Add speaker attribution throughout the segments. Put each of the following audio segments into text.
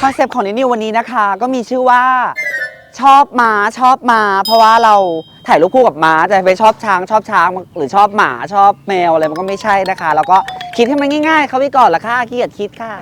Speaker 1: อนเซปต์ของนิววันนี้นะคะก็มีชื่อว่าชอบม้าเพราะว่าเราถ่ายรูปคู่กับม้าแต่ไปชอบช้างหรือชอบหมาชอบแมวอะไรมันก็ไม่ใช่นะคะแล้วก็คิดให้มันง่ายๆเข้าไปก่อนละค่ะขี้เกียจคิดค่ะ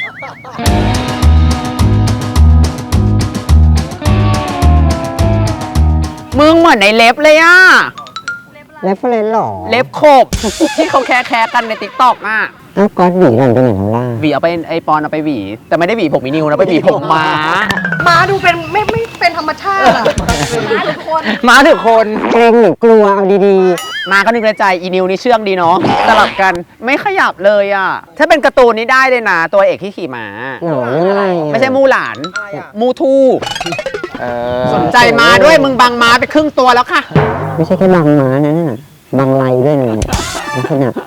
Speaker 1: มึงเหมือนในเล็บเลยอ่ะ
Speaker 2: เรฟเฟรนซ์หรอ
Speaker 1: เล็บขบที่เขาแคร์กันในติ๊กต็อกอ่ะ
Speaker 2: อ้าวก๊อตหวีหลังตรงไหนของล่า
Speaker 1: หวีเอาไปไอปอนเอาไปหวีแต่ไม่ได้หวีผมอีนิวนะไปหวีผมม้า
Speaker 3: ดูเป็นไม่เป็นธรรมชาติอะ
Speaker 1: ม้าถือคน
Speaker 2: เกรงหรือกลัวเอาดี
Speaker 1: ๆม้าก็นึกในใจอีนิวนี่เชื่องดีเนาะสลับกันไม่ขยับเลยอ่ะถ้าเป็นการ์ตูนนี้ได้เลยนะตัวเอกที่ขี่ม้า
Speaker 2: หรอเรื่องอะไร
Speaker 1: ไม่ใช่มูหลานมูทูสนใจม้าด้วยมึงบังม้าไปครึ่งตัวแล้วค่ะ
Speaker 2: ไม่ใช่แค่บังม้านะบังไหลด้วยนะลักษณะ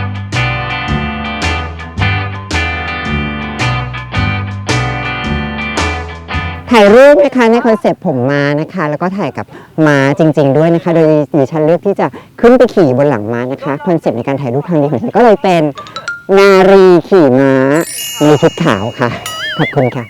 Speaker 2: ถ่ายรูปนะคะในคอนเซปต์ผมม้านะคะแล้วก็ถ่ายกับม้าจริงๆด้วยนะคะโดยดิฉันเลือกที่จะขึ้นไปขี่บนหลังม้านะคะคอนเซปต์ในการถ่ายรูปครั้งนี้ของฉันก็เลยเป็นนารีขี่ม้าในชุดขาวค่ะขอบคุณค่ะ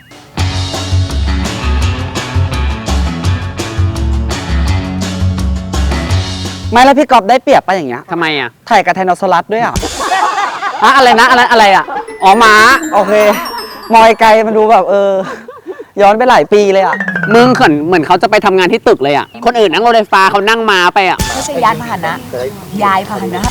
Speaker 1: ไม่แล้วพี่กอบได้เปรียบไปอย่างเงี้ยทำไมอ่ะถ่ายกับไทโนซอรัสด้วยอ่ะอะไรนะอะไรอ่ะอ๋อม้าโอเคมอยไกลมันดูแบบย้อนไปหลายปีเลยอ่ะมึงเหมือนเขาจะไปทำงานที่ตึกเลยอ่ะคนอื่นนั่งรถไฟฟ้าเขานั่งม้าไปอ่ะ
Speaker 3: ไม่ใช่ยานพาหนะยายพาหนะ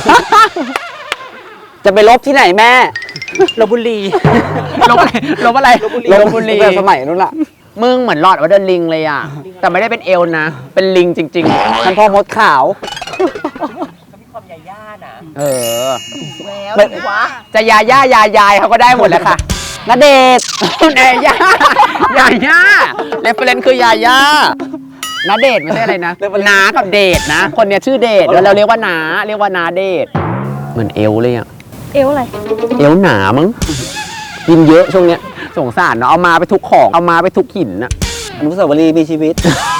Speaker 1: จะไปลบที่ไหนแม่ลบบุรีลบอะไรลบบุรีสมัยนู้นล่ะมึงเหมือนหลอดว่าเดินลิงเลยอ่ะแต่ไม่ได้เป็นเอลนะเป็นลิงจริงๆมันพอมดขาวมีความยาย่านะแล้ววะจะยาย่ายายเขาก็ได้หมดแหละค่ะณเดชน์แน่ย่าเรฟเฟรนซ์คือยาย่าณเดชน์ไม่ใช่อะไรนะน้ากับเดชนะคนเนี้ยชื่อเดชแล้วเราเรียกว่าน้าเดชเหมือนเอลเลยอ่ะ
Speaker 3: เอวอะไร
Speaker 1: เอวหนามั้งกินเยอะช่วงเนี้ยสงสารเนาะเอามาไปทุกของเอามาไปทุกหินน่ะอนุสาวรีย์มีชีวิต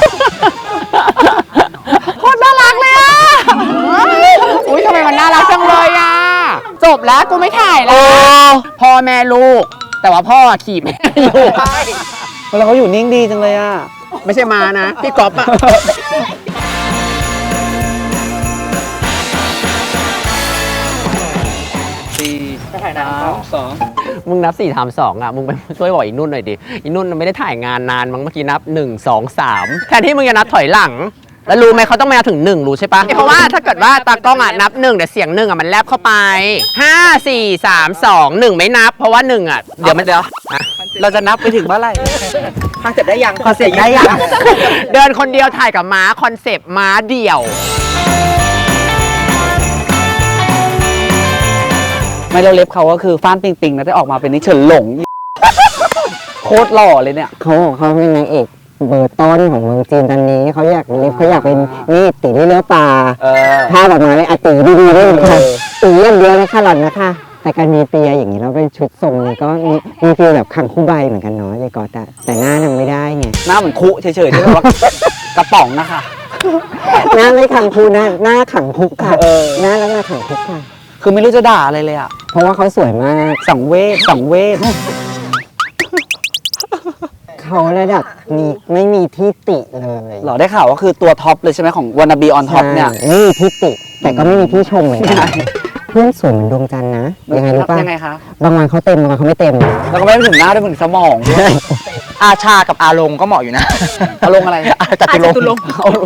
Speaker 1: โคตรน่ารักเลยอ่ะอุ้ยทำไมมันน่ารักจังเลยอ่ะจบแล้วกูไม่ถ่ายแล้วพ่อแม่ลูกแต่ว่าพ่อขี่แม่อยู่แล้วเขาอยู่นิ่งดีจังเลยอ่ะไม่ใช่มานะพี่ก๊อฟอ่ะมึงนับ4 3 2อ่ะมึงไปช่วยบอกอีนุ่นหน่อยดิอีนุ่นไม่ได้ถ่ายงานนานมั้งเมื่อกี้นับ1 2 3แทนที่มึงจะนับถอยหลังแล้วรู้ไหมเขาต้องมาถึง1รู้ใช่ปะเพราะว่าถ้าเกิดว่าตากล้องอ่ะนับ1แต่เสียง1อ่ะมันแลบเข้าไป5 4 3 2 1ไม่นับเพราะว่า1อ่ะเดี๋ยวเราจะนับไปถึงเมื่อไหร่คอนเซ็ปต์ได้ยังคอนเซ็ปต์ได้ยังเดินคนเดียวถ่ายกับม้าคอนเซ็ปต์ม้าเดี่ยวไม่เราเล็บเขาก็คือฟ้านปิงนะได้ออกมาเป็นนิเฉินหลงโคตรหล่อเลยเนี่ย
Speaker 2: เขาเป็นนางเอกเบอร์ต้นของเมืองจีนตอนนี้เขาอยากเป็นนี่ตีเลือปลาถ้าแบบมาเลยตีดีๆด้วยค่ะตีอย่างเดียวเลยค่ะหล่อนนะคะแต่การมีเตียอย่างนี้เราเป็นชุดทรงนี้ก็มีฟีลแบบขังคู่ใบเหมือนกันเนาะยายกอตแต่หน้ายังไม่ได้ไง
Speaker 1: หน้าเหมือนคุเฉยๆที่แบบว่ากระป๋องนะคะ
Speaker 2: หน้าไม่ขังคู่หน้าขังคุกค่ะหน้าแล้วหน้าขังคุกค่ะ
Speaker 1: คือไม่รู้จะด่าอะไรเลยอ่ะ
Speaker 2: เพราะว่าเขาสวยมาก
Speaker 1: สังเวช
Speaker 2: เขาระดับนี้ไม่มีที่ติเลย
Speaker 1: หรอได้ข่าวว่าคือตัวท็อปเลยใช่ไหมของวานาบีออนท็อปเนี่ย
Speaker 2: ไม่มีที่ติแต่ก็ไม่มีที่ชมเหมือนกันเพื่อนสวยเหมือนดวงจันทร์นะยังไงรู้ป่ะ
Speaker 1: ยังไงคะ
Speaker 2: บางวันเขาเต็มบางวันเขาไม่เต็ม
Speaker 1: แล้วก็ไม่ถึงหน้าด้วยถึงสมองอาชากับอาลงก็เหมาะอยู่นะอาลงอะไร
Speaker 2: จตุรงค์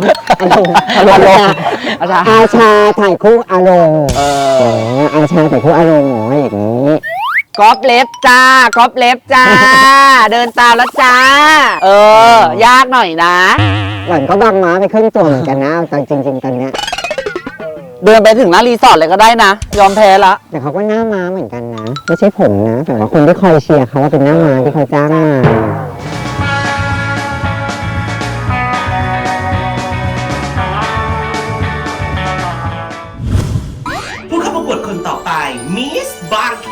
Speaker 2: อาชาถ่ายคู่อาลงอาชาถ่ายคู่อาลงหมออย่างนี้
Speaker 1: ก๊อปเล็บจ้าเดินตามแล้วจ้ายากหน่อยนะ
Speaker 2: หล่อนก็บังม้าไปครึ่งตัวเหมือนกันนะตอนจริงๆตอนเนี้ย
Speaker 1: เดินไปถึงหน้ารีสอร์ทเลยก็ได้นะยอมแพ้ละ
Speaker 2: แต่เขาก็หน้าม้าเหมือนกันนะไม่ใช่ผมนะแต่ว่าคนที่คอยเชียร์เขาว่าเป็นหน้าม้าที่เขาจ้างมา
Speaker 4: ผู้เข้าประกวดคนต่อไปมิสบางแค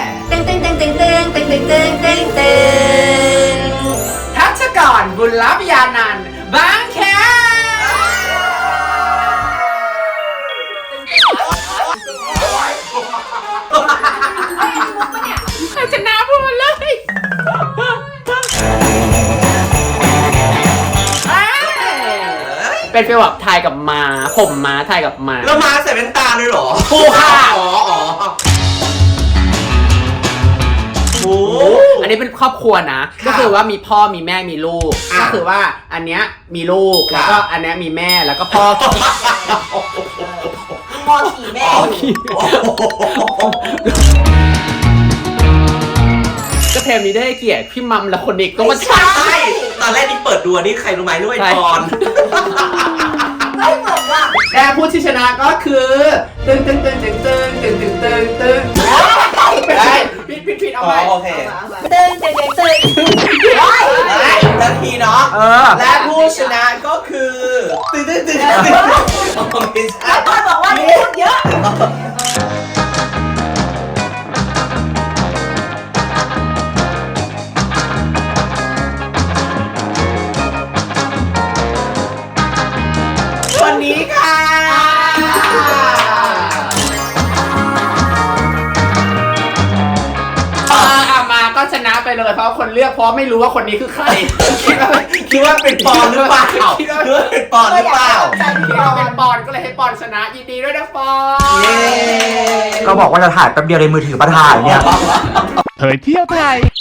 Speaker 4: ทัชกรบุญลับยานันท์บางแคชนะพูดเลย
Speaker 1: เป็นฟีลแบบทายกับม้าผมม้าทายกับม้า
Speaker 5: แล้วมาใส่แว่นตาเลยเหรอ
Speaker 1: ถูกค่ะ
Speaker 5: อ๋อโอ้
Speaker 1: อันนี้เป็นครอบครัวนะ ก็คือว่ามีพ่อมีแม่มีลูก ก็คือว่าอันเนี้ยมีลูกแล้วก็อันเนี้ยมีแม่แล้วก็พ่อ
Speaker 3: พ่อขี่แม่อยู่
Speaker 1: ก็เทมนี้ได้เกียรติพี่มัมและคนอีกก็มา
Speaker 5: ใช่ตอนแรกนี่เปิดดูอันนี่ใครรู้ไหมด้วยตอน
Speaker 3: ไม่เหมือนว่ะ
Speaker 1: และผู้ที่ชนะก็คือตึงตึงตึงตึงตึงตึงตึงตึงตึงได้ผิดเอา
Speaker 5: อ๋อ
Speaker 1: ไป
Speaker 5: โอเค
Speaker 3: ตึงตึงตึง
Speaker 5: นาทีเนาะ และผู้ชนะก็คือตึ๊ดไม่ใช่
Speaker 3: แล้วพ่อบอกว่าพูดเยอะ
Speaker 5: วันนี้ค่ะ
Speaker 1: มาก็ชนะไปเลยเพราะคนเลือกเพราะไม่รู้ว่าคนนี้คือใคร
Speaker 5: คิดว่าเป็นปอนหรือเปล่า
Speaker 1: คิดว่า
Speaker 5: คิดว่าเป็นปอนหรือเปล่า
Speaker 1: เป็นปอนก็เลยให้ปอนชนะยินดีด้วยนะปอน
Speaker 5: เย้
Speaker 6: ก็บอกว่าจะถ่ายแป๊บเดียวในมือถือมาถ่ายเนี่ย
Speaker 7: เผยเที่ยวไทย